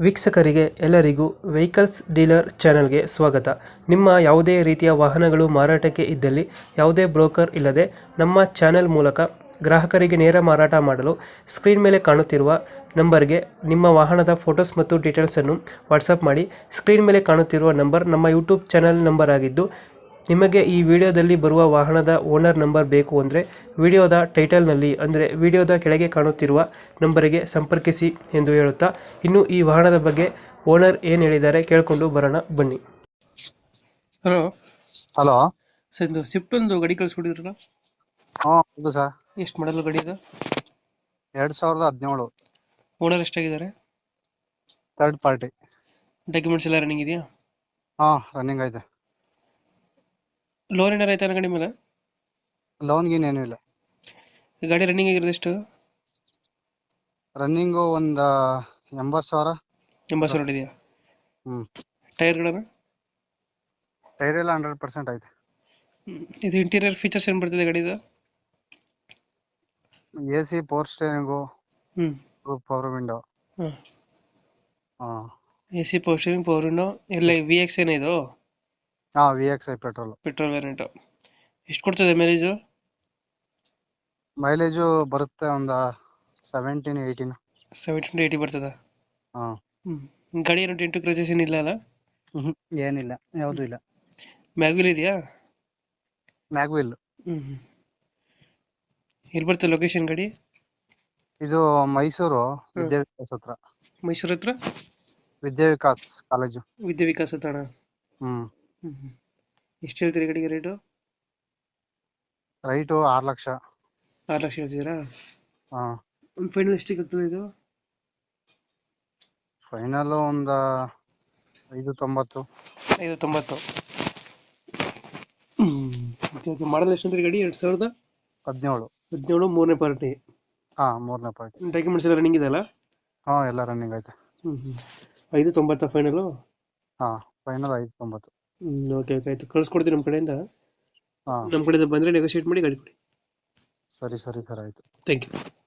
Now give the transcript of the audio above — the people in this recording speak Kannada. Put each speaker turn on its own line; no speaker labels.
ವೀಕ್ಷಕರಿಗೆ ಎಲ್ಲರಿಗೂ ವೆಹಿಕಲ್ಸ್ ಡೀಲರ್ ಚಾನೆಲ್ಗೆ ಸ್ವಾಗತ. ನಿಮ್ಮ ಯಾವುದೇ ರೀತಿಯ ವಾಹನಗಳು ಮಾರಾಟಕ್ಕೆ ಇದ್ದಲ್ಲಿ ಯಾವುದೇ ಬ್ರೋಕರ್ ಇಲ್ಲದೆ ನಮ್ಮ ಚಾನೆಲ್ ಮೂಲಕ ಗ್ರಾಹಕರಿಗೆ ನೇರ ಮಾರಾಟ ಮಾಡಲು ಸ್ಕ್ರೀನ್ ಮೇಲೆ ಕಾಣುತ್ತಿರುವ ನಂಬರ್ಗೆ ನಿಮ್ಮ ವಾಹನದ ಫೋಟೋಸ್ ಮತ್ತು ಡೀಟೇಲ್ಸನ್ನು ವಾಟ್ಸಪ್ ಮಾಡಿ. ಸ್ಕ್ರೀನ್ ಮೇಲೆ ಕಾಣುತ್ತಿರುವ ನಂಬರ್ ನಮ್ಮ ಯೂಟ್ಯೂಬ್ ಚಾನೆಲ್ ನಂಬರ್ ಆಗಿದ್ದು, ನಿಮಗೆ ಈ ವಿಡಿಯೋದಲ್ಲಿ ಬರುವ ವಾಹನದ ಓನರ್ ನಂಬರ್ ಬೇಕು ಅಂದರೆ ವಿಡಿಯೋದ ಟೈಟಲ್ನಲ್ಲಿ ಅಂದರೆ ವಿಡಿಯೋದ ಕೆಳಗೆ ಕಾಣುತ್ತಿರುವ ನಂಬರಿಗೆ ಸಂಪರ್ಕಿಸಿ ಎಂದು ಹೇಳುತ್ತಾ, ಇನ್ನು ಈ ವಾಹನದ ಬಗ್ಗೆ ಓನರ್ ಏನು ಹೇಳಿದ್ದಾರೆ ಕೇಳಿಕೊಂಡು ಬರೋಣ ಬನ್ನಿ. Hello
hello.
ಸರ್, ಇದು ಸ್ವಿಫ್ಟ್ ಒಂದು ಗಾಡಿ ಕಳಿಸ್ಕೊಟ್ಟಿದ್ರಲ್ಲ,
ಹೌದು ಸರ್.
ಎಷ್ಟು ಮಾಡಲು ಗಾಡಿ ಇದು?
2017.
ಓನರ್ ಎಷ್ಟಾಗಿದ್ದಾರೆ?
Third party.
ಡಾಕ್ಯುಮೆಂಟ್ಸ್ ಎಲ್ಲ ರನ್ನಿಂಗ್ ಇದೆಯಾ?
ರನ್ನಿಂಗ್ ಐತೆ.
ಲೋನ್ ಏನಾರು ಆಯ್ತಾ ಗಾಡಿ ಮೇಲೆ?
ಲೋನ್ ಗೀನ್ ಏನೂ ಇಲ್ಲ.
ಗಾಡಿ ರನ್ನಿಂಗ್ ಆಗಿರೋದು ಎಷ್ಟು?
ರನ್ನಿಂಗು ಒಂದು 80,000.
80,000 ಹೊಡಿದೆಯಾ?
ಹ್ಮ್.
ಟೈರ್ಗಳನ್ನು?
ಟೈರ್ ಎಲ್ಲ 100% ಐತೆ.
ಇದು ಇಂಟೀರಿಯರ್ ಫೀಚರ್ಸ್ ಏನು ಬರ್ತದೆ ಗಾಡಿದು?
AC, power steering, power window.
A C, power steering, power window ಎಲ್ಲ VX ಏನೇ ಇದು?
VXI
petrol variant. ಎಷ್ಟು ಕೊಡ್ತದೆ ಮೈಲೇಜು?
ಮೈಲೇಜು ಬರುತ್ತೆ ಒಂದು 17-18.
70 to 80 ಬರ್ತದ?
ಹಾ.
ಗಾಡಿ ಏನು ಡೆಂಟು ಕ್ರಚಸ್ ಏನಿಲ್ಲ ಅಲ್ಲ?
ಏನಿಲ್ಲ, ಯಾವುದು ಇಲ್ಲ.
ಮ್ಯಾಗ್ವಿಲ್ ಇದೆಯಾ?
ಮ್ಯಾಗ್ವಿಲ್.
ಎಲ್ಲಿ ಬರ್ತದೆ ಲೊಕೇಶನ್ ಗಾಡಿ?
ಇದು ಮೈಸೂರು ವಿದ್ಯಾವಿಕಾಸ್ ಹತ್ರ.
ಮೈಸೂರು ಹತ್ರ
ವಿದ್ಯಾವಿಕಾಸ್ ಕಾಲೇಜು.
ವಿದ್ಯಾವಿಕಾಸ್ ಹತ್ರ. ಎಷ್ಟು ಹೇಳ್ತೀರಿ ಗಾಡಿಗೆ ರೇಟು?
ರೈಟು 6 ಲಕ್ಷ.
6 ಲಕ್ಷ ಹೇಳ್ತಿದ್ದೀರಾ?
ಒಂದು
ಫೈನಲ್ ಎಷ್ಟಿಗೆ ಆಗ್ತದೆ ಇದು?
ಫೈನಲ್ ಒಂದು 590.
590. ಮಾಡಲ್ ಎಷ್ಟು ಅಂತೀರಿ ಗಾಡಿ? 2017. 17 ಮೂರನೇ ಪಾರ್ಟಿ.
ಮೂರನೇ ಪಾರ್ಟಿ.
ಡಾಕ್ಯುಮೆಂಟ್ಸ್ ಎಲ್ಲ ರನ್ನಿಂಗ್ ಇದೆಯಲ್ಲ?
ಎಲ್ಲ ರನ್ನಿಂಗ್ ಐತೆ.
590 ಫೈನಲು?
ಫೈನಲ್ 590.
ಓಕೆ ಆಯ್ತು, ಕಳ್ಸ್ಕೊಡ್ತೀನಿ ನಮ್ಮ ಕಡೆಯಿಂದ.
ಹಾಂ,
ನಮ್ಮ ಕಡೆಯಿಂದ ಬಂದರೆ ನೆಗೋಷಿಯೇಟ್ ಮಾಡಿ ಗಾಡಿ ಕೊಡಿ.
ಸರಿ ಸರ್ ಆಯಿತು.
Thank you.